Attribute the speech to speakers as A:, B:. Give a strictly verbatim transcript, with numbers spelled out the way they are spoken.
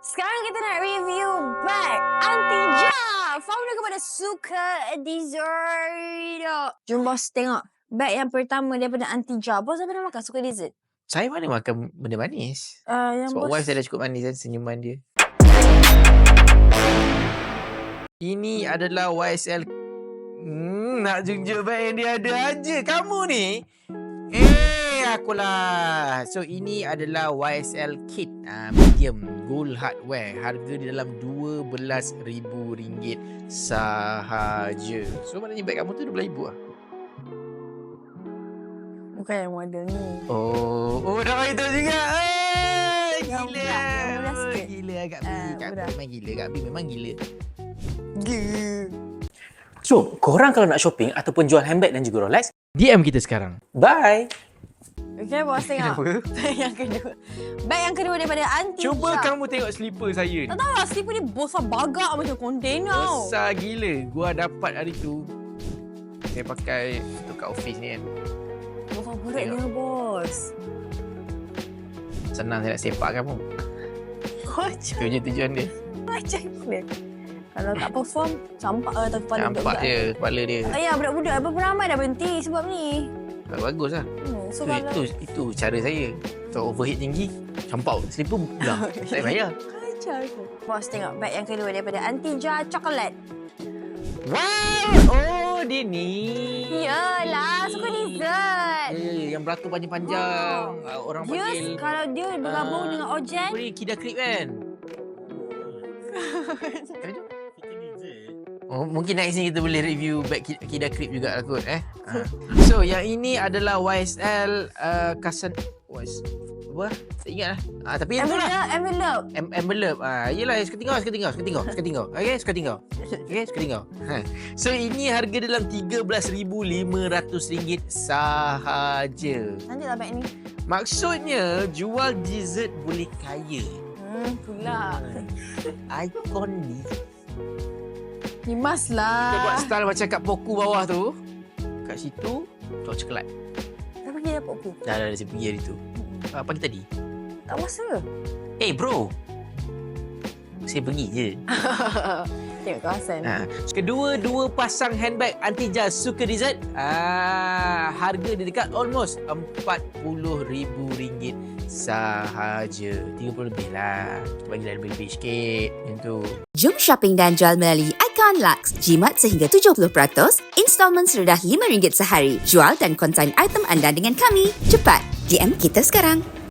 A: Sekarang kita nak review bag Antija, founder kepada Suka Dessert. Jom bos tengok bag yang pertama daripada Antija. Bos apa nak makan? Suka Dessert?
B: Saya mana makan benda manis.
A: Uh, yang
B: Sebab
A: bos...
B: wife saya dah cukup manis kan senyuman dia. Ini adalah Y S L. Hmm, nak junjung bag yang dia ada aja. Kamu ni. Eh, akulah. So, ini adalah Y S L kit. Uh, medium gold hardware. Harga di dalam dua belas ribu ringgit sahaja. So, maknanya bag kamu tu dua belas ribu lah.
A: Bukan yang model ni.
B: Oh, oh dah beritahu juga. Eh,
A: Yang
B: gila.
A: berat, yang berat
B: Oh,
A: sikit.
B: gila Kak B.
A: Ah,
B: Kak B
A: berat.
B: memang gila. Kak B memang gila.
A: Gila.
C: So, korang kalau nak shopping ataupun jual handbag dan juga Rolex,
B: D M kita sekarang.
C: bye!
A: Okay, bos tengok.
B: Kenapa?
A: Bag yang kedua. Bag yang kedua daripada Antija.
B: Cuba kamu tengok slipper saya ni.
A: Tak tahu lah, slipper ni besar bagak macam kontainer.
B: Besar gila. Gua dapat hari tu. Saya pakai untuk kat office ni kan.
A: Besar berat dia, bos.
B: Senang saya nak sepak kamu.
A: Macam
B: Itu je tujuan dia.
A: macam mana? Kalau tak perform, campak lah tak kepala
B: Nampak
A: budak-budak.
B: je kepala dia.
A: Ayah, budak-budak berapa ramai dah berhenti sebab ni.
B: Bagus lah.
A: Hmm, so
B: Itu,
A: kalau...
B: itu, itu cara saya. Kalau overheat tinggi, campak slipper pulang. Tak payah bayar.
A: Kacau aku. Bos tengok bag yang kedua daripada Antija Chocolate.
B: Wow! Oh, dia ni.
A: Yalah, suka dessert.
B: Ya, ya, ya, yang beratur panjang-panjang. Ah, Orang
A: Dia
B: panggil.
A: kalau dia bergabung
B: Ah,
A: dengan Ojen.
B: Apa ni? Kida Krip kan? Oh, mungkin next ni kita boleh review bag Ki- Kida Krip juga lah kot eh. Ha. So yang ini adalah Y S L uh, Kasan Y S apa? Tak ingat lah. Ah, tapi yang tu
A: Envelope,
B: lah.
A: envelope.
B: Em- envelope. Ah, yelah, suka tinggal, suka tinggal, suka tinggal, suka tinggal. Okay, suka tinggal. Okay, suka tinggal. Ha. So ini harga dalam tiga belas ribu lima ratus ringgit sahaja.
A: Nanti lah bag ni.
B: Maksudnya jual dessert boleh kaya.
A: Hmm, pula.
B: Ikon ni.
A: Himas
B: Kita
A: lah.
B: buat style macam kat poku bawah tu. Kat situ, cok coklat.
A: Kenapa dia dapat aku?
B: Dah, dah, dah, saya pergi hari tu. Ah, pagi tadi.
A: Tak masa.
B: Eh, hey, bro. Saya pergi je.
A: Tengok kawasan.
B: Ha. Kedua-dua pasang handbag Antija Suka Dessert. Ah, harga dia dekat almost empat puluh ribu ringgit sahaja. tiga puluh lebih lah. Kita bagi lebih-lebih sikit. Macam tu.
D: Jom shopping dan jual melalui Icon Lux. Jimat sehingga tujuh puluh peratus, installment serendah lima ringgit sehari. Jual dan konsign item anda dengan kami. Cepat, D M kita sekarang.